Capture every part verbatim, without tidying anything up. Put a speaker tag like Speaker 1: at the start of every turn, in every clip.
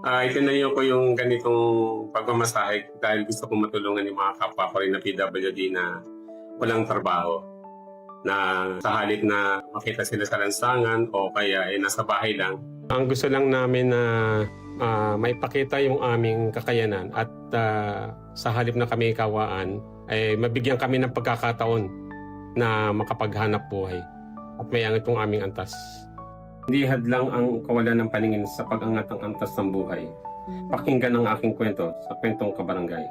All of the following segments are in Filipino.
Speaker 1: Ah, itinayo ko yung ganitong pagmamasahe dahil gusto kong matulungan yung mga kapwa ko rin na P W D na walang trabaho. Na sa halip na makita sila sa lansangan o kaya eh, nasa bahay lang. Ang gusto lang namin na uh, maipakita yung aming kakayanan at uh, sa halip na kami kawaan, ay mabigyan kami ng pagkakataon na makapaghanap buhay at may angat yung aming antas. Hindi hadlang ang kawalan ng paningin sa pag-angat ng antas ng buhay. Pakinggan ang aking kwento sa Kwentong Kabarangay.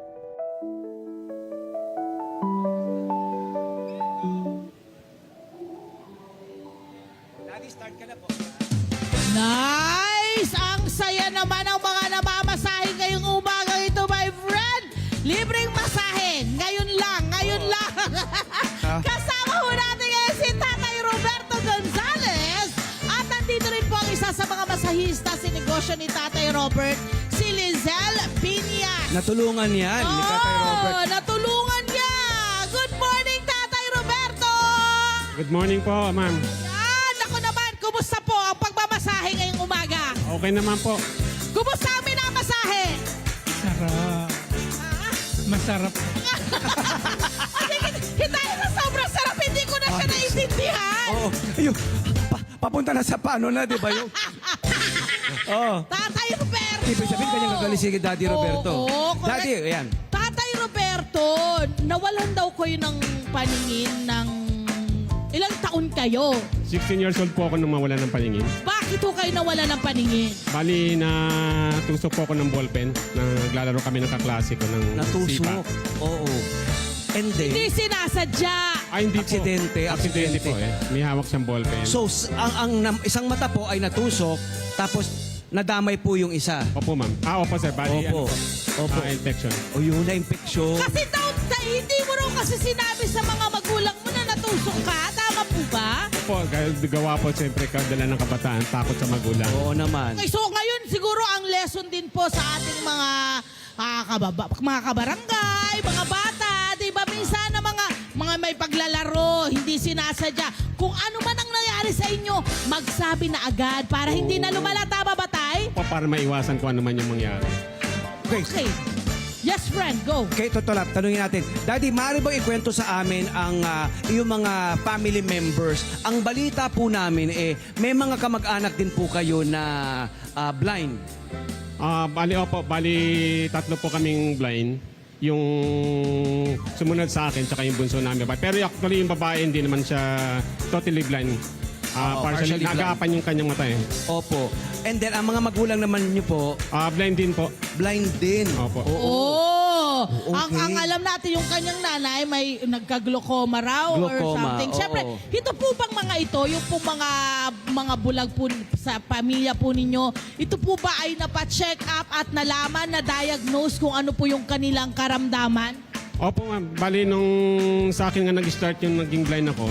Speaker 2: Nice! Ang saya naman ang mga namamasahe ngayong umaga ito, my friend! Libreng masahe! Ngayon lang! Ngayon lang! Kasama ho natin ngayon si Tatay Roberto Gonzales. At nandito rin po ang isa sa mga masahista sa negosyo ni Tatay Robert, si Lizelle Piñas.
Speaker 3: Natulungan yan ni Tatay Robert.
Speaker 2: Oh, natulungan niya! Good morning, Tatay Roberto!
Speaker 1: Good morning po, ma'am.
Speaker 2: Yan! Ako naman, kumusta po ang pagmamasahe ngayong umaga?
Speaker 1: Okay naman po.
Speaker 2: Kumusta ang minamasahe?
Speaker 4: Sarap.
Speaker 2: Ah?
Speaker 4: Masarap.
Speaker 2: Kasi hitay na sobrang sarap, hindi ko na siya naiintindihan.
Speaker 3: Oo. Yung, pa, papunta na sa paano na, di ba yung? Oo.
Speaker 2: Tatay Roberto!
Speaker 3: Ibig sabihin kanyang gagaling si Daddy Roberto.
Speaker 2: Oo, correct.
Speaker 3: Daddy, ayan.
Speaker 2: Tatay Roberto, nawalan daw kayo ng paningin ng... Ilang taon kayo?
Speaker 1: sixteen years old po ako nung mawala ng paningin.
Speaker 2: Bakit ho kayo nawalan ng paningin?
Speaker 1: Bali na tusok po ako ng ballpen. Naglalaro kami ng kaklase ko ng
Speaker 3: Natusok.
Speaker 1: sipa.
Speaker 3: Oo. And then,
Speaker 2: Hindi sinasadya.
Speaker 1: Ay, hindi
Speaker 3: Aksidente,
Speaker 1: po. Aksidente
Speaker 3: aksidente.
Speaker 1: po eh. May hawak siyang ballpen.
Speaker 3: so, s- ang, ang nam- isang mata po ay natusok, tapos nadamay po yung isa.
Speaker 1: Opo, ma'am. Ah, opo, sir. Bali,
Speaker 3: Opo.
Speaker 1: ano po?
Speaker 3: Opo.
Speaker 1: Ah, infection.
Speaker 3: O yun na infection.
Speaker 2: Kasi daw, ta- hindi mo raw kasi sinabi sa mga magulang mo na natusok ka. Tama po ba?
Speaker 1: Opo, gawa po siyempre kadala ng kabataan. Takot sa magulang.
Speaker 3: Oo naman.
Speaker 2: Okay, so ngayon siguro ang lesson din po sa ating mga ah, kababa, mga kabarangay, mga bata, 'di ba? Minsan na mga mga may paglalaro, hindi sinasadya. Kung ano man ang nangyari sa inyo, magsabi na agad para hindi na lumala. Tama ba, tay?
Speaker 1: Opo, para maiwasan kung ano man yung mangyari.
Speaker 3: Okay.
Speaker 2: Okay. Yes, friend, go.
Speaker 3: Okay, Totolap, tanungin natin. Daddy, maaari bang ikwento sa amin ang ah, iyong mga family members? Ang balita po namin, eh, may mga kamag-anak din po kayo na ah, blind.
Speaker 1: Ah, bali, opo, bali tatlo po kaming blind. Yung sumunod sa akin, tsaka yung bunso namin. Pero actually yung babae, hindi naman siya totally blind. Ah,
Speaker 3: Oo,
Speaker 1: partially,
Speaker 3: partially blind.
Speaker 1: nag-aapan yung kanyang mata eh.
Speaker 3: Opo. And then, ang mga magulang naman niyo po,
Speaker 1: Ah, blind din po.
Speaker 3: blind din.
Speaker 1: Opo.
Speaker 3: Oo.
Speaker 2: Oh,
Speaker 3: Okay.
Speaker 2: ang, ang alam natin yung kanyang nanay may nagka-glaucoma raw or
Speaker 3: Glaucoma,
Speaker 2: something.
Speaker 3: oo.
Speaker 2: Siyempre, ito po bang mga ito, yung po mga mga bulag po sa pamilya po ninyo, ito po ba ay napa-check up at nalaman, na diagnose kung ano po yung kanilang karamdaman?
Speaker 1: Opo, ma'am. Bali, nung sa akin nga nag-start yung naging blind ako,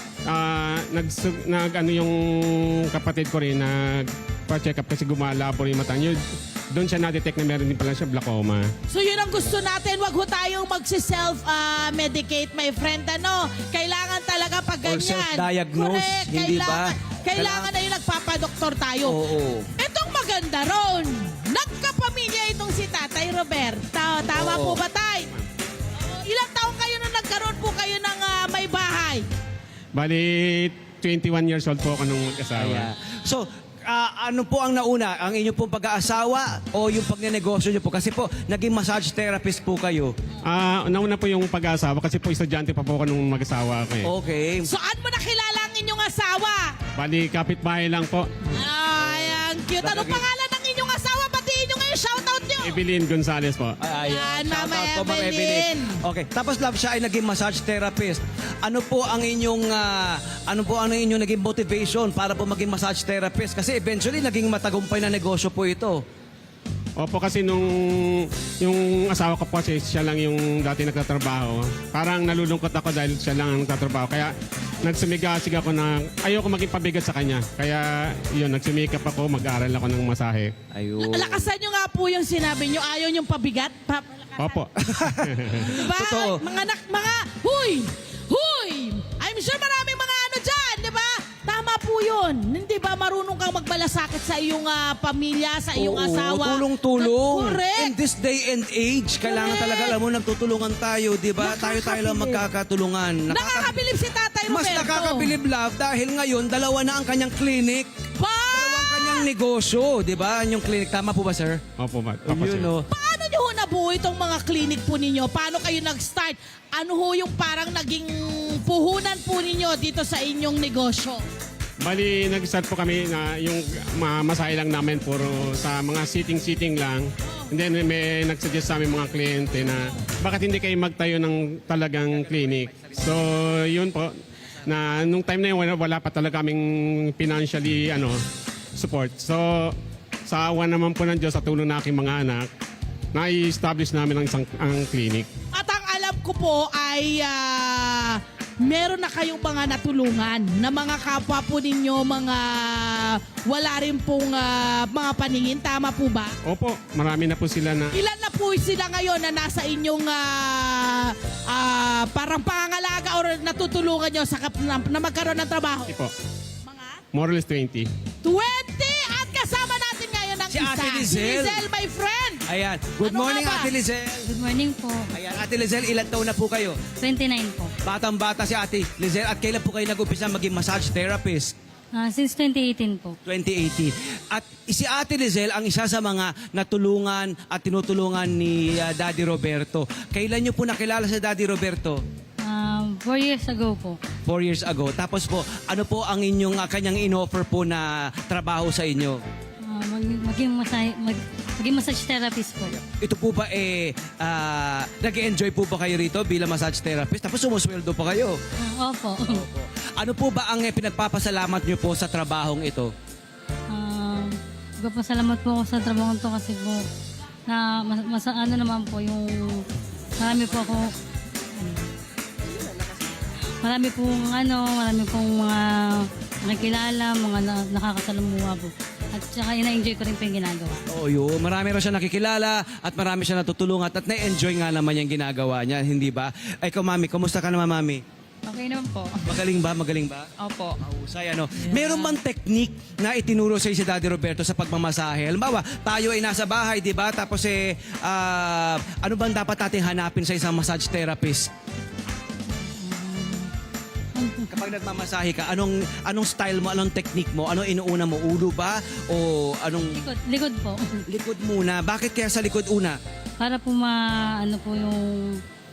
Speaker 1: ah, nag, nag, ano yung kapatid ko rin, nag-check up kasi gumala po rin yung mata niyo. Doon siya na-detect na meron din pala siya glaucoma.
Speaker 2: So yun ang gusto natin, wag ho tayong magsi-self-medicate, my friend. Ano? Kailangan talaga pag
Speaker 3: Or
Speaker 2: ganyan.
Speaker 3: self-diagnose,
Speaker 2: Correct.
Speaker 3: hindi ba?
Speaker 2: Kailangan, kailangan na yung nagpapadoktor tayo.
Speaker 3: Oo.
Speaker 2: Itong maganda ron, nagkapamilya itong si Tatay Roberto. Tama
Speaker 3: Oo.
Speaker 2: po ba, Tay? Oo, ilang taong kayo nung nagkaroon po kayo ng ah, may bahay?
Speaker 1: Bali, twenty-one years old po ako nung mag-asawa.
Speaker 3: Kaya, so, ah, ano po ang nauna? Ang inyong pong pag-aasawa o yung pagnenegosyo niyo po? Kasi po, naging massage therapist po kayo.
Speaker 1: Ah, nauna po yung pag-asawa kasi po estudyante pa po ako nung mag-asawa ako eh.
Speaker 3: Okay.
Speaker 2: Saan mo nakilala ang inyong asawa?
Speaker 1: Bali, kapitbahay lang po.
Speaker 2: Ay, ang cute. Anong
Speaker 3: Lagi-
Speaker 2: pangalan ng inyong asawa? Batiin nyo ngayon, shoutout nyo.
Speaker 1: Evelyn Gonzalez po.
Speaker 3: Ay,
Speaker 2: Yan,
Speaker 3: shout
Speaker 2: Mama
Speaker 3: out po, Ma'am
Speaker 2: Evelyn.
Speaker 3: Okay. Tapos love siya ay naging massage therapist. Ano po ang inyong ah, ano po ang inyong naging motivation para po maging massage therapist? Kasi eventually naging matagumpay na negosyo po ito.
Speaker 1: Opo, kasi nung yung asawa ko po kasi siya lang yung dati nagtatrabaho. Parang nalulungkot ako dahil siya lang ang nagtatrabaho. Kaya nagsumigasig ako na ayoko maging pabigat sa kanya. Kaya yun, nagsumikap ako, mag-aaral ako ng masahe.
Speaker 3: Ayun.
Speaker 2: Lakasan nyo nga po yung sinabi nyo. Ayaw yung pabigat. Pa
Speaker 1: Opo.
Speaker 2: diba?
Speaker 3: Totoo.
Speaker 2: Mga, nak, mga, huy! Huy! I'm sure maraming mga ano dyan, di ba? Tama po yun. Hindi ba marunong kang magmalasakit sa iyong ah, pamilya, sa iyong
Speaker 3: Oo,
Speaker 2: asawa?
Speaker 3: tulong-tulong.
Speaker 2: Correct.
Speaker 3: In this day and age, kailangan
Speaker 2: Correct.
Speaker 3: talaga, alam mo, nagtutulungan tayo, di ba? Tayo-tayo lang
Speaker 2: Nakakabilib.
Speaker 3: magkakatulungan. Nakaka-
Speaker 2: Nakakabilib si Tatay Roberto.
Speaker 3: Mas nakakabilib, love, dahil ngayon, dalawa na ang kanyang clinic.
Speaker 2: Pa!
Speaker 3: Dalawang kanyang negosyo, di ba? Yung clinic. Tama po ba, sir?
Speaker 1: Opo, ma- opo, sir.
Speaker 3: Yun, no?
Speaker 2: Paano nyo ho nabuo itong mga clinic po ninyo? Paano kayo nag-start? Ano ho yung parang naging puhunan po ninyo dito sa inyong negosyo?
Speaker 1: Bali, nag-start po kami na yung ma- masahe lang namin puro sa mga sitting-sitting lang. And then may nagsuggest sa amin mga kliyente na bakit hindi kayo magtayo ng talagang clinic. So, yun po. Na nung time na yun, wala, wala pa talaga kaming financially ano, support. So, sa awa naman po ng Diyos sa tulong ng aking mga anak, na-establish namin ang isang ang clinic.
Speaker 2: At ang alam ko po ay ah, meron na kayong mga natulungan na mga kapwa po ninyo, mga wala rin pong ah, mga paningin. Tama po ba?
Speaker 1: Opo, marami na po sila na
Speaker 2: Ilan na po sila ngayon na nasa inyong ah, ah, parang pangangalaga or natutulungan nyo sa kap- na, na magkaroon ng trabaho?
Speaker 1: po.
Speaker 2: Mga
Speaker 1: More or less twenty.
Speaker 2: twenty! At kasama natin ngayon ang
Speaker 3: Si
Speaker 2: isa.
Speaker 3: Ate
Speaker 2: Si
Speaker 3: Lizelle.
Speaker 2: Lizelle, my friend.
Speaker 3: Ayan. Good
Speaker 2: Ano
Speaker 3: morning,
Speaker 2: nga ba?
Speaker 3: Ate Lizelle.
Speaker 5: Good morning po.
Speaker 3: Ayan, Ate Lizelle, ilan taon na po kayo?
Speaker 5: twenty-nine po.
Speaker 3: Batang-bata si Ate Lizelle. At kailan po kayo nag-umpisa maging massage therapist?
Speaker 5: Ah, since twenty eighteen po.
Speaker 3: twenty eighteen. At si Ate Lizelle ang isa sa mga natulungan at tinutulungan ni ah, Daddy Roberto. Kailan niyo po nakilala si Daddy Roberto?
Speaker 5: Um, four years ago po.
Speaker 3: Four years ago. Tapos po, ano po ang inyong ah, kanyang in-offer po na trabaho sa inyo?
Speaker 5: Ah, mag, maging, masay, mag, maging massage therapist po.
Speaker 3: Ito po ba eh, ah, nag-enjoy po ba kayo rito bilang massage therapist? Tapos sumusweldo pa kayo.
Speaker 5: Ah, opo.
Speaker 3: Ano po ba ang eh, pinagpapasalamat niyo po sa trabahong ito?
Speaker 5: Um, Nagpapasalamat po ako sa trabaho to kasi po na mas, mas ano naman po yung marami po ako ano, marami pong ano, marami pong mga nakikilala, mga na, nakakasalamuha po. At saka ina-enjoy ko rin po yung ginagawa.
Speaker 3: Oo, yun. Marami rin siya nakikilala at marami siya natutulungan at na-enjoy nga naman yung ginagawa niya, hindi ba? Ay, ikaw, mami, kumusta ka naman, mami?
Speaker 6: Okay naman po.
Speaker 3: Magaling ba? Magaling ba?
Speaker 6: Opo.
Speaker 3: Mahusay, ano? Meron bang technique na itinuro sa si Daddy Roberto sa pagmamasahe? Halimbawa, tayo ay nasa bahay, di ba? Tapos eh, ah, ano bang dapat natin hanapin sa isang massage therapist? Kapag nagmamasahe ka, anong anong style mo, anong technique mo, anong inuuna mo, ulo ba o anong
Speaker 5: Likod, likod po.
Speaker 3: likod muna? Bakit kaya sa likod una?
Speaker 5: Para po ma, ano po yung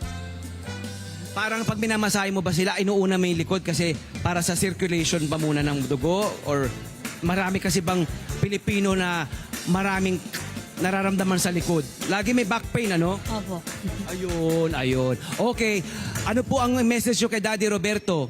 Speaker 3: Parang pag minamasahe mo ba sila, inuuna mo yung likod kasi para sa circulation ba muna ng dugo? Or marami kasi bang Pilipino na maraming nararamdaman sa likod? Lagi may back pain, ano?
Speaker 5: opo.
Speaker 3: Ayun, ayun. Okay, ano po ang message nyo kay Daddy Roberto?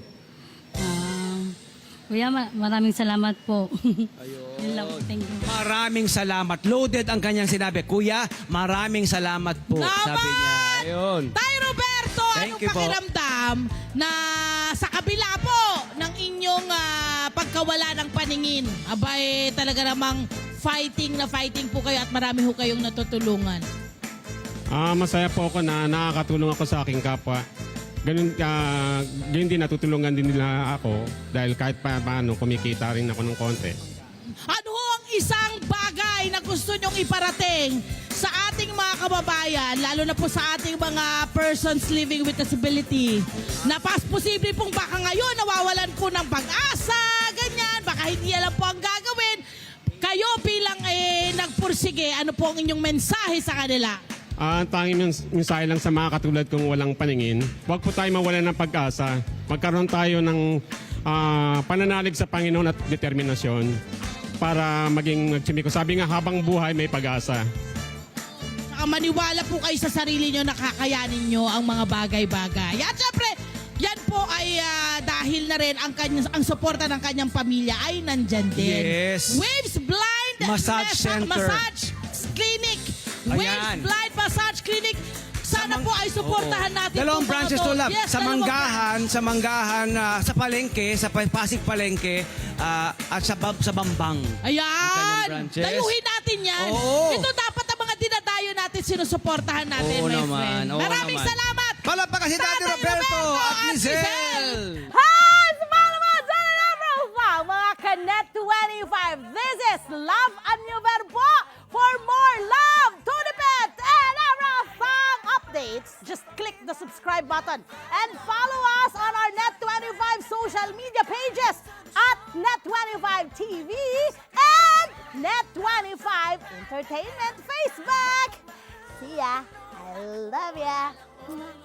Speaker 5: Ah, kuya, ma- maraming salamat po. Ayun. lang po, thank you.
Speaker 3: Maraming salamat. Loaded ang kanyang sinabi. Kuya, maraming salamat po.
Speaker 2: Naman!
Speaker 3: Sabi niya. Ayun.
Speaker 2: Tay Roberto,
Speaker 3: Thank
Speaker 2: anong
Speaker 3: you po.
Speaker 2: pakiramdam na sa kabila po ng inyong ah, pagkawala ng paningin, abay talaga namang fighting na fighting po kayo at marami ho kayong natutulungan.
Speaker 1: Ah, masaya po ako na nakakatulong ako sa aking kapwa. Ganun, ah, ganun din natutulungan din nila ako dahil kahit pa paano kumikita rin ako ng konti.
Speaker 2: Ano ho ang isang bagay na gusto nyong iparating sa ating mga kababayan, lalo na po sa ating mga persons living with disability, na pas posible pong baka ngayon nawawalan po ng pag-asa, ganyan, baka hindi alam po ang gagawin. Kayo bilang eh, nagpursige, ano po ang inyong mensahe sa kanila?
Speaker 1: Ah, ang tanging mens- mensahe lang sa mga katulad kong walang paningin, huwag po tayo mawalan ng pag-asa. Magkaroon tayo ng ah, pananalig sa Panginoon at determinasyon para maging nagsimiko. Sabi nga, habang buhay may pag-asa.
Speaker 2: Saka maniwala po kayo sa sarili nyo na kakayanin nyo ang mga bagay-bagay. At syempre, yan po ay ah, dahil na rin ang, kanyang, ang suporta ng kanyang pamilya ay nandyan din.
Speaker 3: Yes.
Speaker 2: Waves Blind
Speaker 3: Massage
Speaker 2: Mesa-
Speaker 3: Center.
Speaker 2: Massage Clinic.
Speaker 3: Ayan.
Speaker 2: Waves Blind Massage Clinic. Sana po ay suportahan
Speaker 3: Oo.
Speaker 2: natin.
Speaker 3: Dalawang
Speaker 2: po, mga
Speaker 3: branches
Speaker 2: to.
Speaker 3: to, love.
Speaker 2: Yes,
Speaker 3: sa
Speaker 2: dalawang
Speaker 3: Manggahan, sa Manggahan, ah, sa Palengke, sa Pa- Pasig Palengke, ah, at sa, Bab- sa Bambang.
Speaker 2: Ayan!
Speaker 3: Ang branches.
Speaker 2: Dayuhin natin yan.
Speaker 3: Oo.
Speaker 2: Ito dapat ang mga dinadayo natin, sinusuportahan natin,
Speaker 3: Oo
Speaker 2: my
Speaker 3: naman,
Speaker 2: friend.
Speaker 3: oo
Speaker 2: Maraming
Speaker 3: naman.
Speaker 2: salamat!
Speaker 3: Palakpakan si Daddy
Speaker 2: Tatay
Speaker 3: Roberto
Speaker 2: Roberto
Speaker 3: at
Speaker 2: at
Speaker 3: Lizelle!
Speaker 2: Lizelle! Hi! Sa mga naman, sa mga mga Love Anyover po for more love, Tunipet, and Arafang updates. Just click the subscribe button and follow us on our Net twenty-five social media pages at Net twenty-five T V and Net twenty-five Entertainment Facebook. See ya. I love ya.